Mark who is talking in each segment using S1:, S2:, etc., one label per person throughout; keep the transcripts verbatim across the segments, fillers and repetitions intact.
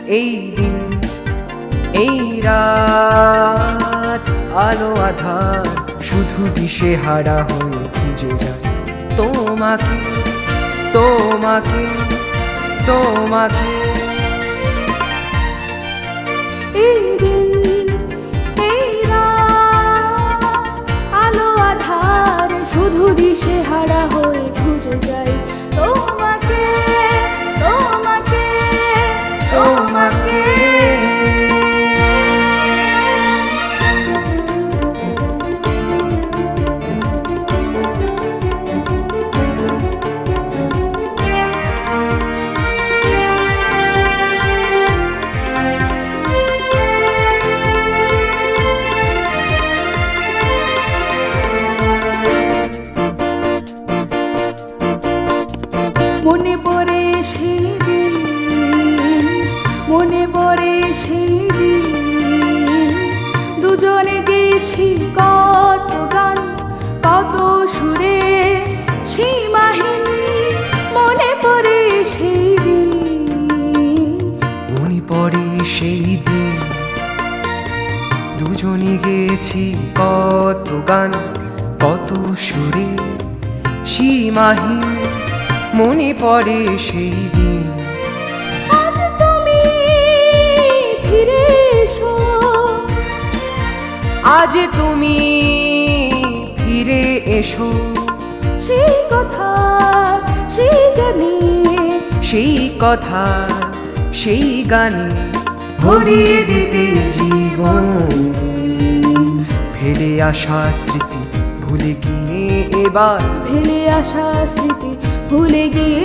S1: এই দিন এই রাত আলো আধার শুধু দিশে হারা হয়ে খুঁজে যায় তোমাকে তোমাকে তোমাকে।
S2: এই দিন এই রাত আলো আধার শুধু দিশে হারা হয়ে খুঁজে যায় তোমাকে তোমাকে তোমাকে। মনে পড়ে সেই দিন মনে পড়ে সেই দিন দুজনে গেছি কত গান কত সুরে সীমাহীন। মনে পড়ে সেই দিন
S1: মনে পড়ে সেই দিন দুজনে গেছি কত গান কত সুরে সীমাহীন। মনে পড়ে সেই দিন
S2: আজ তুমি ফিরে এসো
S1: আজ তুমি ফিরে এসো
S2: সেই কথা সেই গানে
S1: সেই কথা সেই গানে ভরিয়ে দিতে জীবন। ফেলে আসা স্মৃতি ভুলে গিয়ে এবার
S2: ফেলে আসা স্মৃতি ভুলে গিয়ে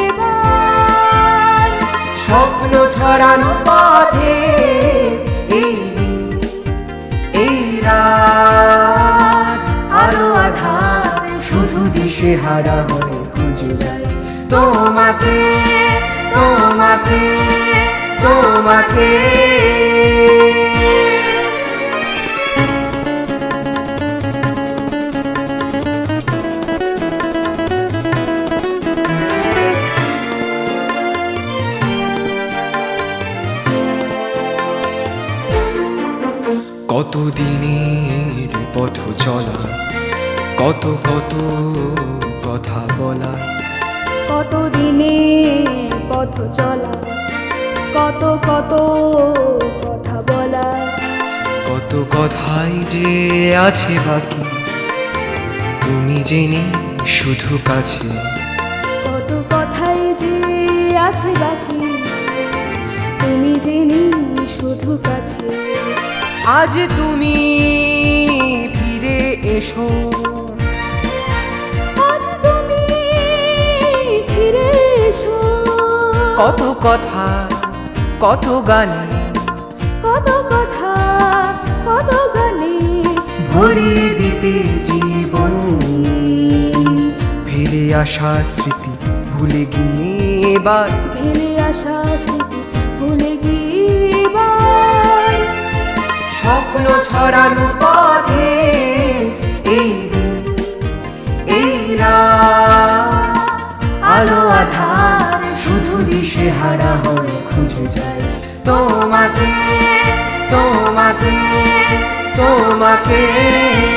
S2: এবার
S1: স্বপ্ন ছড়ানো পথে এই দিন এই রাত আলো আধার শুধু দিশে হারা হয়ে খুঁজে যায় তোমাকে তোমাকে তোমাকে। কত দিনের পথ চলা কত কত কথা বলা
S2: কত দিনের পথ চলা কত কত কথা বলা
S1: কত কথাই যে আছে বাকি তুমি জেনে শুধু কাছে।
S2: কত কথাই যে আছে বাকি তুমি জেনে শুধু কাছে।
S1: আজ তুমি ফিরে এসো
S2: আজ তুমি ফিরে এসো
S1: কত কথা কত গানে
S2: কত কথা কত গানে
S1: ভরিয়ে দিতে জীবন। ফিরে আসা স্মৃতি ভুলে গিয়ে এবার
S2: ফেলে আসা স্মৃতি ভুলে গিয়ে এবার
S1: স্বপ্ন ছড়ানো পথে এই দিন এই রাত আলো আধার শুধু দিশে হারা হয়ে খুঁজে যায় তোমাকে তোমাকে তোমাকে।